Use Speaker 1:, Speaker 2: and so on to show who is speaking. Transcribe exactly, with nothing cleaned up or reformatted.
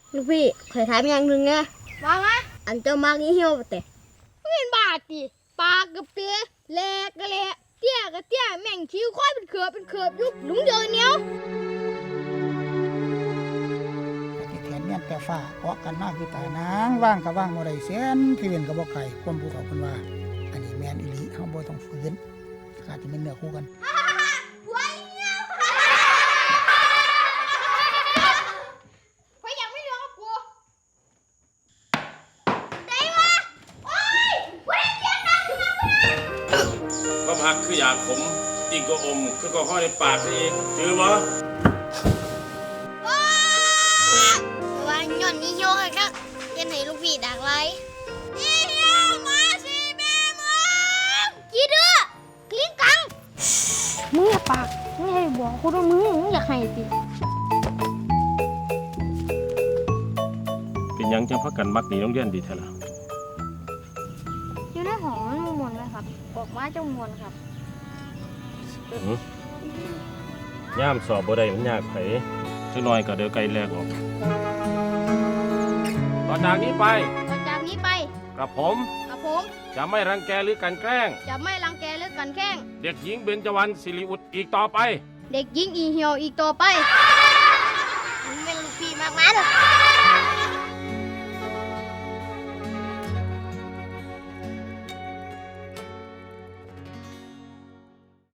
Speaker 1: ลูกพี่เคยถามอย่างหนึ่งนะว่าไงอันเจ้ามากนี่เหี่ยวปะแต่เป็นบาดดิปากกับเตี้ยแหลกกะแหลกเตี้ยกับเตี้ยแม่งคิ้วค่อยเป็นเขือบเป็นเขือบยุบหลุงเดินเหนียว
Speaker 2: ที่แขนเมียนแต่ฟ้าเพราะกันมากคือตานางว่างกับว่างบ่ได้เสียนที่เว้นกับบ่ไก่ความผู้เขาเพิ่นว่าอันนี้แม่นอีหลีเฮาบ่ต้องฝืนขาดจะเป็นเนื้อคู่กัน
Speaker 3: ก็พักคืออยากขมจริงก็อมคือก็ห้อยในปากซะอีกจือบ่
Speaker 1: ว่าหย่อนนี่โยกครับยันไหนลูกพี่ดักไรนี่เหี่ยวมาสิแม่มึงกี่เดือคลิ้งกังมึงอย่าปากมึงให้บอกคนว่ามึงมึงอยากให้สิ
Speaker 3: เป็นยังจังพักกันมักหนีโรงเรียนดีแท้ล่ะ
Speaker 1: อยู่ในหอมันมวนไหมครับออกมาจะมวนครับ
Speaker 3: ย่ามสอบบ่ได้มันยากไผจักหน่อยก็เดี๋ยวไกลแลกออกต่อจากนี้ไป
Speaker 1: ต่อจากนี้ไป
Speaker 3: กระผม
Speaker 1: กระผม
Speaker 3: จะไม่รังแกหรือกันแกล้ง
Speaker 1: จะไม่รังแกหรือกันแกล้ง
Speaker 3: เด็กหญิงเบญจวรรณศิริอุดอีกต่อไป
Speaker 1: เด็กหญิงอีเหี่ยวอีกต่อไปมึงเป็นลูกพี่มากๆเลย